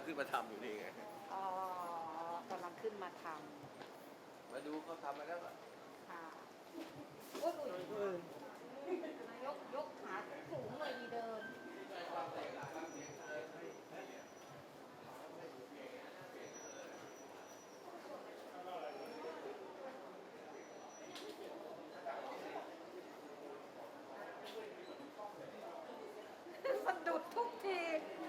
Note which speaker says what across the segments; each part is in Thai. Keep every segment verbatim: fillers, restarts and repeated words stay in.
Speaker 1: ขึ้นมาทำอยู่นี่ไง
Speaker 2: อ๋อกำลังขึ้นมาทำ
Speaker 1: มาดูเขาทำมาแล้ว
Speaker 2: ค่ะโอ้ยยกยกขาสูงเลยดีเดินสะดุดทุกที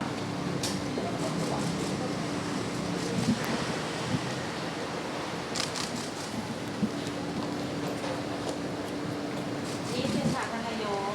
Speaker 2: นี่คือค่ะท่านนายก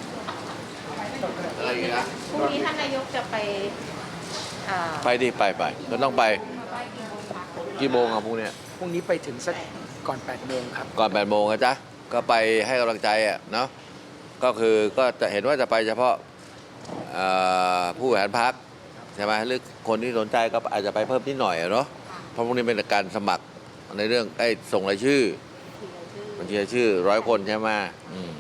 Speaker 1: อะไรอย่างเงี้ย
Speaker 2: พรุ่งนี้ท่านนายกจะไป
Speaker 1: ไปดิไปไปก็ต้องไปกี่โมงอ่ะพรุ่งนี้
Speaker 3: พรุ่งนี้ไปถึงสักก่อนแปดโมงครับ
Speaker 1: ก่อนแปดโมงนะจ๊ะก็ไปให้กำลังใจอ่ะเนาะก็คือก็จะเห็นว่าจะไปเฉพาะผู้บริหารพรรคใช่ไหมหรือคนที่สนใจก็อาจจะไปเพิ่มนิดหน่อยเนาะเพราะพวกนี้เป็นการสมัครในเรื่องไอ้ส่งรายชื่อบัญชีรายชื่อร้อยคนใช่ไหมอืม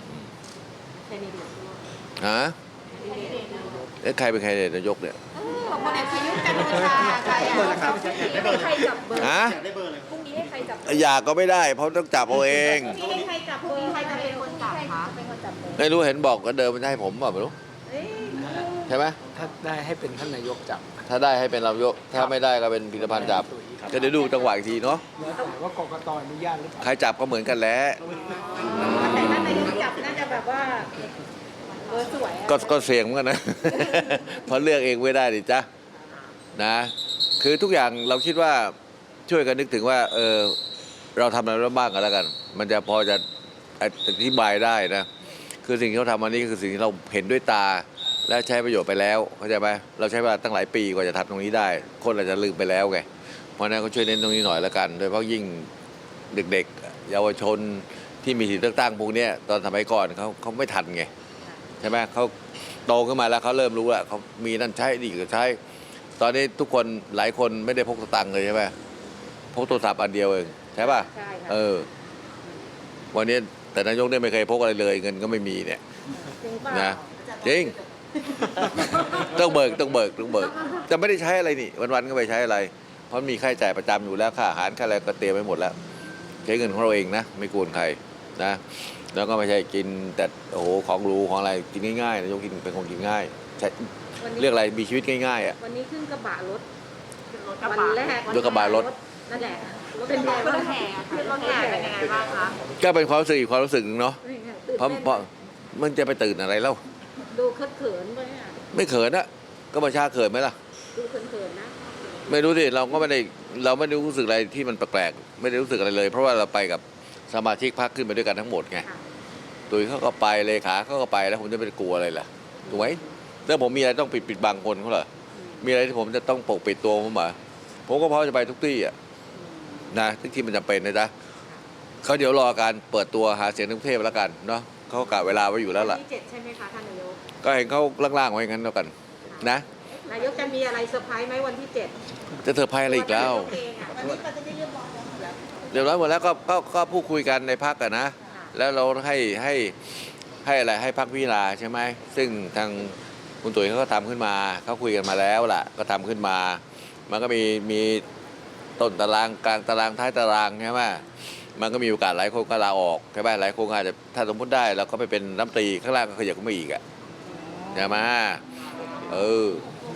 Speaker 1: ฮะเอ๊ะใครเป็นใครเนี่ยนายกเนี่ย
Speaker 2: พลเอกประยุทธ์จันทร์โอชาใครอ่ะใครจับเบอร์
Speaker 1: ฮะ
Speaker 2: พรุ่งนี้ให้ใครจับ
Speaker 1: อยากก็ไม่ได้เพราะต้องจับเอาเอง
Speaker 2: พรุ่งนี้ให้ใครจับเบอร์ใครจะเป็นคนจับคะเป็นคนจับเบอร์
Speaker 1: ไม่รู้เห็นบอกก็เดินมันจะให้ผมเปล่าไม่รู้ใช่ไหม
Speaker 3: ถ้าได้ให้เป็นท่านนายกจับ
Speaker 1: ถ้าได้ให้เป็นนายกถ้าไม่ได้ก็เป็นพิธภัณฑ์จับจะเดี๋ยวดูจังหวะอีกทีเนาะ
Speaker 3: ว่ากกตอนุญาตหรือเปล่า
Speaker 1: ใครจับก็เหมือนกันแหละ
Speaker 2: แต่ท่านนายกจับน่าจะแบบว่าเบอร์สวย
Speaker 1: ก็ก็เสี่ยงเหมือนกันนะเพราะเลือกเองไม่ได้ดิจ้ะนะคือทุกอย่างเราคิดว่าช่วยกันนึกถึงว่าเออเราทำอะไรบ้างกันแล้วกันมันจะพอจะอธิบายได้นะคือสิ่งที่เขาทำวันนี้คือสิ่งที่เราเห็นด้วยตาและใช้ประโยชน์ไปแล้วเข้าใจไหมเราใช้เวลาตั้งหลายปีกว่าจะทำตรงนี้ได้คนอาจจะลืมไปแล้วไงเพราะนั้นก็ช่วยเน้นตรงนี้หน่อยแล้วกันโดยเฉพาะยิ่งเด็กๆเยาวชนที่มีสิทธิเลือกตั้งพวกนี้ตอนสมัยก่อนเขาเขาไม่ทันไงใช่ไหมเขาโตขึ้นมาแล้วเขาเริ่มรู้แล้วเขามีนั่นใช้ดีก็ใช้ตอนนี้ทุกคนหลายคนไม่ได้พกสตังค์เลยใช่ไหมพกโทรศัพท์อันเดียวเองใช่ป่ะเออวันนี้แต่นายกเนี่ยไม่เคยพกอะไรเลยเงินก็ไม่มีเนี่ยนะจริงต้องเบิกต้องเบิกต้องเบิกจะไม่ได้ใช้อะไรนี่วันๆก็ไปใช้อะไรเพราะมีค่าใช้จ่ายประจำอยู่แล้วค่าอาหารค่าอะไรก็เตรียมไว้หมดแล้วใช้เงินของเราเองนะไม่กวนใครนะแล้วก็ไม่ใช่กินแต่โอ้โหของรูของอะไรกินง่ายๆนายกกินเป็นคนกินง่ายใช่เรียกอะไรมีชีวิตง่ายๆอ่ะ
Speaker 2: วันนี้ขึ้นกระบะรถวันแรก
Speaker 1: รถกระบะรถ
Speaker 2: นั่นแหละเป็นไงบ้างแห่ขึ้นรถแห่เป็นยังไงบ้างคะ
Speaker 1: ก็เป็นความรู้สึกอีกความรู้สึกนึงเนาะเพราะเพราะมันจะไปตื่นอะไรเล่า
Speaker 2: ดูเขินๆไปอ่ะ
Speaker 1: ไม่เขินอะก็ประชาเขินไหมล่ะ
Speaker 2: ดูเขินๆนะ
Speaker 1: ไม่รู้สิเราก็ไม่ได้เราไม่ได้รู้สึกอะไรที่มันแปลกๆไม่ได้รู้สึกอะไรเลย เพราะว่าเราไปกับสมาชิกพรรคขึ้นไปด้วยกันทั้งหมดไงตุยเขาก็ไปเลขาเขาก็ไปแล้วผมจะไปกลัวอะไรล่ะถูกไหมแล้วผมมีอะไรต้องปิดปิดบังคนเขาเหรอมีอะไรที่ผมจะต้องปกปิดตัวผมเหรอผมก็พร้อมจะไปทุกที่อ่ะนะทุกที่มันจำเป็นนะจ๊ะเขาเดี๋ยวรอการเปิดตัวหาเสียงในกรุงเทพแล้วกันเนาะเขากะเวลาไว้อยู่แล้วล่ะ
Speaker 2: ที่เจ็ดใช่ไหมคะท่านนายก
Speaker 1: ก็เห็นเขาล่างๆไว้งั้นแล้วกันนะ
Speaker 2: นายกจะมีอะไรเซอร์ไพรส์ไหมวันที่เจ็ด
Speaker 1: จะเซอร์ไพรส์อะไรอีกแล้ว
Speaker 2: วันนี้มันจะเรียบร้อยหมดแล้ว
Speaker 1: เรียบร้อยหมดแล้วก็ก็ก็พูดคุยกันในพรรคกันนะแล้วเราให้ให้ให้อะไรให้พรรคพิจารณาใช่ไหมซึ่งทางคุณตุ๋ยเขาก็ทำขึ้นมาเขาคุยกันมาแล้วล่ะก็ทำขึ้นมามันก็มีมีต้นตารางกลางตารางท้ายตารางใช่ไหมมันก็มีโอกาสหลายคนก็ลาออกใช่ไหมหลายคนอาจจะถ้าสมมติได้เราก็ไปเป็นรัฐมนตรีข้างล่างก็ขยับขึ้นมาอีกอ่ะใช่ไหมเออ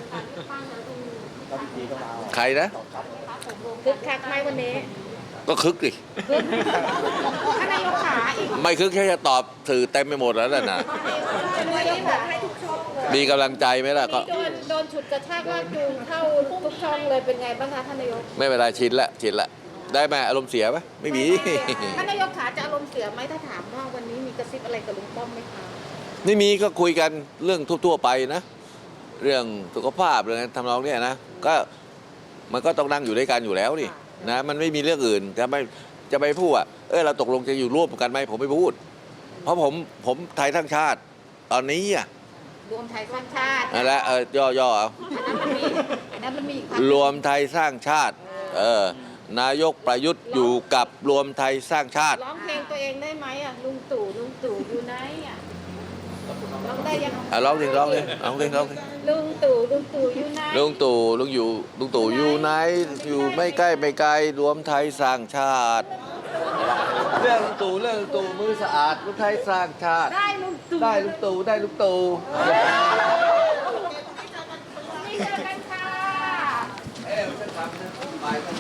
Speaker 1: ใครนะ
Speaker 2: คึกคักไหมวันนี้
Speaker 1: ก็คึกดิ
Speaker 2: ท่านนายกขาอีก
Speaker 1: ไม่คึกแค่จะตอบสื่อเต็มไปหมดแล้วน่ะนะ
Speaker 2: นายกบอกให้ทุกช่องเลย
Speaker 1: มีกำลังใจไหมล่ะก็
Speaker 2: โดนโดนฉุดกระชากลากจูงเข้าทุกช่องเลยเป็นไงบ้างคะท่านนายก
Speaker 1: ไม่เป็นไรชินละชินละได้ไหมอารมณ์เสียไหมไม่มี
Speaker 2: ท่านนายกขาจะอารมณ์เสียไหมถ้าถามว่าวันนี้มีกระซิบอะไรกับลุงป้อมไหมคะ
Speaker 1: ไม่มีก็คุยกันเรื่องทั่วๆไปนะเรื่องสุขภาพเรื่องทำนองเนี้ยนะก็มันก็ต้องนั่งอยู่ด้วยกันอยู่แล้วนี่นะมันไม่มีเรื่องอื่นจะไม่จะไปพูดอ่ะเออเราตกลงจะอยู่ร่วมกันไหมผมไม่พูดเพราะผมผมไทยทั้งชาติตอนนี้อ่ะ
Speaker 2: รวมไทยสร้างชาติ
Speaker 1: นั่นแหละเออย่อๆเอา
Speaker 2: อันนั้นมันมี
Speaker 1: รวมไทยสร้างชาติเออนายกประยุทธ์อยู่กับรวมไทยสร้างชาติ
Speaker 2: ร้องเพลงตัวเองได้ไหมอ่ะลุงตู่ลุงตู่อยู่ไหนอ่ะร้องได้ยัง
Speaker 1: อ่ะร้องเพลงร้องเพลงร้องเพลงร้องเพลง
Speaker 2: ลุงตู่ลุงตู่อยู่ไหน
Speaker 1: ลุงตู่ลุงอยู่ลุงตู่อยู่ไหนอยู่ไม่ใกล้ไม่ไกลรวมไทยสร้างชาติเรื่องลุงตู่เรื่องลุงตู่มือสะอาดรวมไทยสร้างชาติ
Speaker 2: ได้ลุงตู่
Speaker 1: ได้ลุงตู่ได้ลุงตู่
Speaker 2: นี่เจอกันค่ะ
Speaker 1: เอ้ยฉันทำนะไป